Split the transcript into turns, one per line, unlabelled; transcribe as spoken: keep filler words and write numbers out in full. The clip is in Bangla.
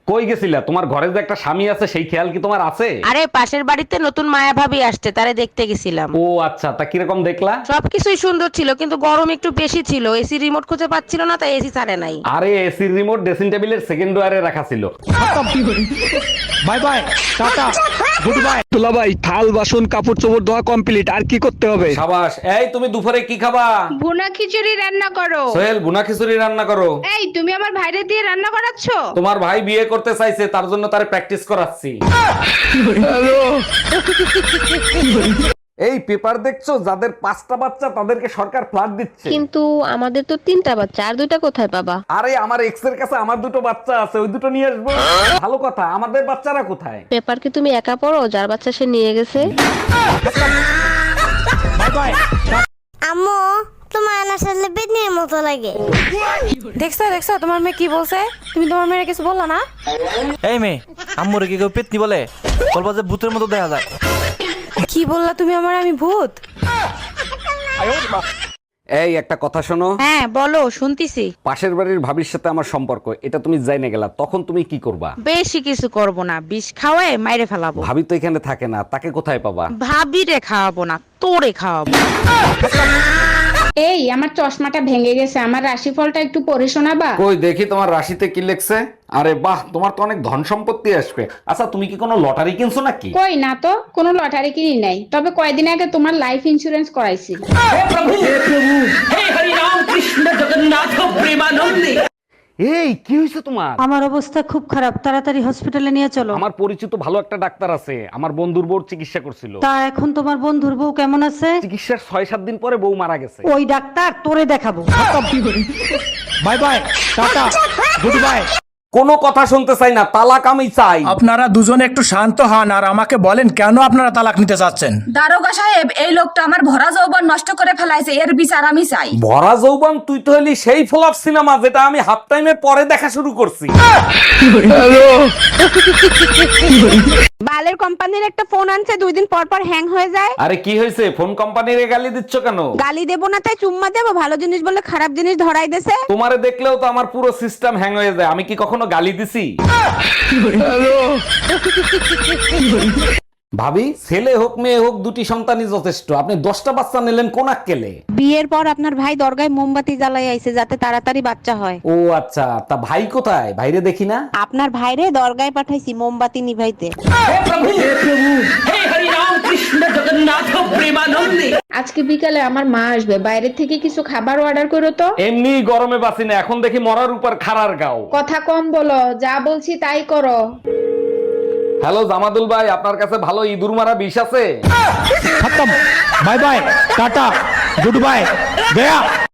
কই গেছিলা? তোমার ঘরে যে একটা স্বামী আছে সেই খেয়াল কি তোমার আছে?
আরে পাশের বাড়িতে নতুন মায়া ভাবি আসছে, তারে দেখতে গেছিলাম।
ও আচ্ছা, তা কিরকম দেখলা?
সবকিছুই সুন্দর ছিল, কিন্তু গরম একটু বেশি ছিল। এসি রিমোট খুঁজে পাচ্ছিল না, তাই এসি ছাড়ে নাই।
আরে এসির রিমোট ড্রেসিং টেবিলের সেকেন্ড ড্রয়ারে রাখা ছিল।
Bye bye, tata, good bye. দুলা ভাই, থাল বাসন কাপড় চোপড় ধোয়া কমপ্লিট, আর কি করতে হবে?
সাবাস। এই তুমি দুপুরে কি খাবা?
ভুনা খিচুড়ি রান্না করো।
সোহেল, বুনা খিচুড়ি রান্না করো।
এই তুমি আমার ভাইরে দিয়ে রান্না করাচ্ছো?
তোমার ভাই বিয়ে করতে চাইছে, তার জন্য তারে প্র্যাকটিস করাচ্ছি। এই পেপার দেখছো, যাদের পাঁচটা বাচ্চা তাদেরকে সরকার ফ্ল্যাট দিচ্ছে।
কিন্তু আমাদের তো তিনটা বাচ্চা, আর দুইটা কোথায় পাবা?
আরে আমার এক্স এর কাছে আমার দুটো বাচ্চা আছে, ওই দুটো নিয়ে আসবো। ভালো কথা, আমাদের বাচ্চারা কোথায়?
পেপার কি তুমি একা পড়ো? যার বাচ্চা সে নিয়ে গেছে।
Bye bye.
আম্মু, তোমার না আসলে বেদনির মতো লাগে।
দেখছো দেখছো তোমার মেয়ে কি বলছে? তুমি তোমার মেয়ের কিছু বললা না?
এই মেয়ে, আম্মুরে কি কেউ পেতনি বলে? বলবা যে ভূতের মতো দেখা যায়।
কি বললা তুমি আমার? আমি ভূত?
এই একটা কথা শোনো।
হ্যাঁ বলো, শুনতিছি।
পাশের বাড়ির ভাবির সাথে আমার সম্পর্ক, এটা তুমি জাইনে গেলা, তখন তুমি কি করবা?
বেশি কিছু করব না, বিষ খাওয়ায় মাইরে ফেলাবো।
ভাবি তো এখানে থাকে না, তাকে কোথায় পাবা?
ভাবিরে খাওয়াবো না, তোরে খাওয়াবো।
এই আমার চশমাটা ভেঙে গেছে, আমার রাশিফলটা একটু পড়ে শোনাবা?
কই দেখি তোমার রাশিতে কি লেখছে। আরে বাহ, তোমার তো অনেক ধন সম্পত্তি আসবে। আচ্ছা, তুমি কি কোনো লটারি কিনছো নাকি?
কই না তো, কোনো লটারি কিনি নাই, তবে কয়দিন আগে তোমার লাইফ ইন্সুরেন্স করাইছি।
এই কি হয়েছে তোমার?
আমার অবস্থা খুব খারাপ, তাড়াতাড়ি হসপিটালে নিয়ে চলো।
আমার পরিচিত ভালো একটা ডাক্তার আছে, আমার বন্ধুর বউর চিকিৎসা করছিল।
তা এখন তোমার বন্ধুর বউ কেমন আছে?
চিকিৎসার ছয় সাত দিন পরে বউ মারা গেছে।
ওই ডাক্তার তোরে দেখাবো।
Bye bye, tata, good bye.
কোনো কথা শুনতে চাই না, তালাক আমি চাই।
আপনারা দুজনে একটু শান্ত হন আর আমাকে বলেন কেন আপনারা তালাক নিতে চাচ্ছেন।
দারোগা সাহেব, এই লোকটা আমার ভরা যৌবন নষ্ট করে ফেলাইছে, এর বিচার আমি চাই।
ভরা যৌবন? তুই তো হলি সেই ফ্লপ সিনেমা যেটা আমি হাফ টাইমের পরে দেখা শুরু করছি।
বালের কোম্পানির একটা ফোন আনছে, দুই দিন পর পর হ্যাং হয়ে যায়।
আরে কি হয়েছে? ফোন কোম্পানির গালি দিচ্ছ কেন?
গালি দেবো না তাই চুম্মা দেবো? ভালো জিনিস বলে খারাপ জিনিস ধরাই দেছে।
তোমারে দেখলেও তো আমার পুরো সিস্টেম হ্যাং হয়ে যায়। আমি কি কখনো গালি দিছি? ভাবি, ছেলে হোক মেয়ে হোক, দুটি সন্তানই যথেষ্ট। আপনি দশটা বাচ্চা নিলেন কোন আক্কেলে?
বিয়ের পর আপনার ভাই দরগায় মোমবাতি জ্বালাই আইছে, যাতে তাড়াতাড়ি বাচ্চা হয়।
ও আচ্ছা, তা ভাই কোথায়? ভাইরে দেখি না।
আপনার ভাইরে দরগায় পাঠাইছি মোমবাতি নিভাইতে।
আজকে বিকালে আমার মা আসবে, বাইরে থেকে কিছু খাবার অর্ডার করো তো।
এমনি গরমে বাঁচি না, এখন দেখি মরার উপর খাড়ার গাও।
কথা কম বলো, যা বলছি তাই করো।
হ্যালো জামাদুল ভাই, আপনার কাছে ভালো ইঁদুর মারা বিষ আছে?
খতম, bye bye, tata, good bye, Gaya.